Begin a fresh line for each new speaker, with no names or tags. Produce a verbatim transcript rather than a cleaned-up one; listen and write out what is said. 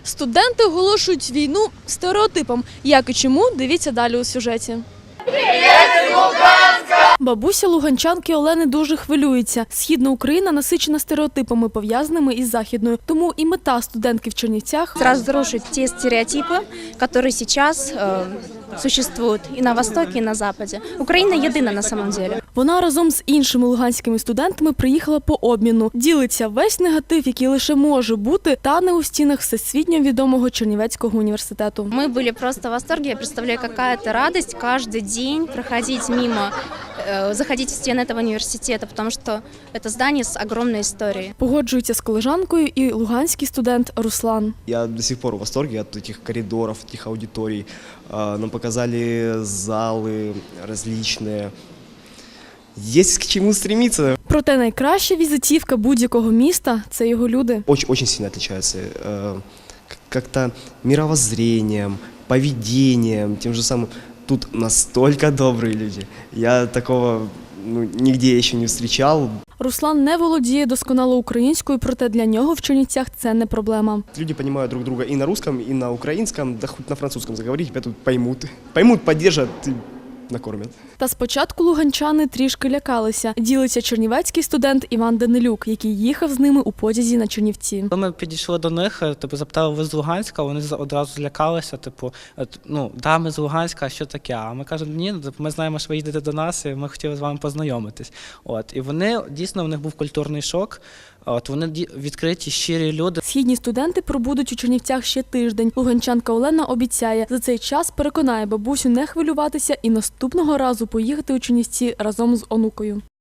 Студенти оголошують війну стереотипам. Як і чому, дивіться далі у сюжеті. Бабуся луганчанки Олени дуже хвилюється. Східна Україна насичена стереотипами, пов'язаними із Західною. Тому і мета студентки в Чернівцях –
разрушить те стереотипы, которые сейчас э, существуют и на Востоке, и на Западе. Украина едина на самом деле.
Вона разом з іншими луганськими студентами приїхала по обміну. Ділиться весь негатив, який лише може бути, тане у стінах всесвітньо відомого Чернівецького університету.
Мы были просто в восторге. Я представляю, какая это радость каждый день проходить мимо, э, заходить в стены этого университета, потому что это здание с огромной историей.
Погоджується з колежанкою і луганський студент Руслан.
Я до сих пор в восторге от этих коридоров, этих аудиторий. Нам показали залы различные. Есть к чему стремиться.
Проте найкраща візитівка будь-якого міста – це його люди.
Очень, очень сильно отличаются как-то мировоззрением, поведением, тем же самым. Тут настолько добрые люди. Я такого ну, нигде еще не встречал.
Руслан не володіє досконало українською, проте для нього в Чернівцях це не проблема.
Люди понимают друг друга и на русском, и на украинском, да хоть на французском заговорить, тебя тут поймут. Поймут, поддержат и накормят.
Та спочатку луганчани трішки лякалися. Ділиться чернівецький студент Іван Данилюк, який їхав з ними у потязі на Чернівці.
Коли ми підійшли до них, типу, запитали, ви з Луганська, вони одразу злякалися, типу, ну, да, ми з Луганська, а що таке? А ми кажемо, ні, ми знаємо, що ви їдете до нас, і ми хотіли з вами познайомитись. От, і вони, дійсно, в них був культурний шок. От, вони відкриті, щирі люди.
Східні студенти пробудуть у Чернівцях ще тиждень. Луганчанка Олена обіцяє, за цей час переконає бабусю не хвилюватися і наступного разу поїхати у Чернівці разом з онукою.